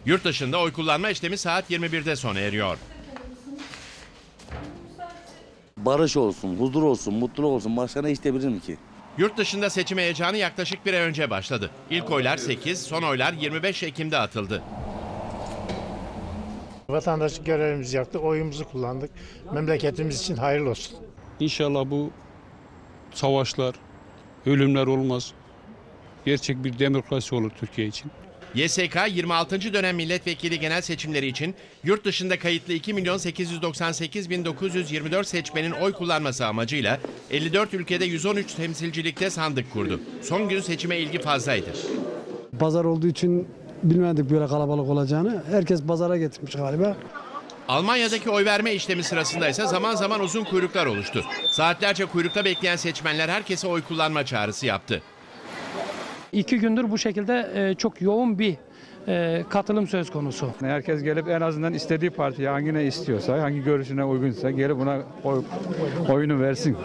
Yurt dışında oy kullanma işlemi saat 21'de sona eriyor. Barış olsun, huzur olsun, mutluluk olsun. Başka ne isteyebilirim ki? Yurt dışında seçim heyecanı yaklaşık bir ay önce başladı. İlk oylar 8, son oylar 25 Ekim'de atıldı. Vatandaşlık görevimizi yaptık, oyumuzu kullandık. Memleketimiz için hayırlı olsun. İnşallah bu savaşlar, ölümler olmaz. Gerçek bir demokrasi olur Türkiye için. YSK 26. dönem milletvekili genel seçimleri için yurt dışında kayıtlı 2.898.924 seçmenin oy kullanması amacıyla 54 ülkede 113 temsilcilikte sandık kurdu. Son gün seçime ilgi fazlaydı. Pazar olduğu için bilmedik böyle kalabalık olacağını. Herkes pazara getirmiş galiba. Almanya'daki oy verme işlemi sırasında ise zaman zaman uzun kuyruklar oluştu. Saatlerce kuyrukta bekleyen seçmenler herkese oy kullanma çağrısı yaptı. 2 gündür bu şekilde çok yoğun bir katılım söz konusu. Herkes gelip en azından istediği partiye hangine istiyorsa, hangi görüşüne uygunsa gelip buna oyunu versin.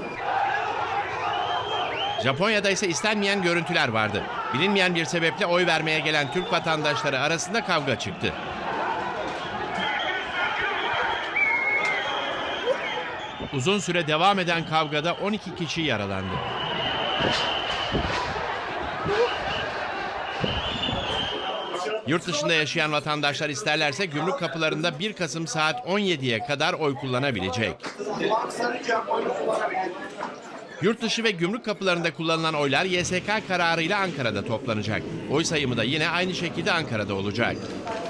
Japonya'da ise istenmeyen görüntüler vardı. Bilinmeyen bir sebeple oy vermeye gelen Türk vatandaşları arasında kavga çıktı. Uzun süre devam eden kavgada 12 kişi yaralandı. Yurt dışında yaşayan vatandaşlar isterlerse gümrük kapılarında 1 Kasım saat 17'ye kadar oy kullanabilecek. Yurt dışı ve gümrük kapılarında kullanılan oylar YSK kararıyla Ankara'da toplanacak. Oy sayımı da yine aynı şekilde Ankara'da olacak.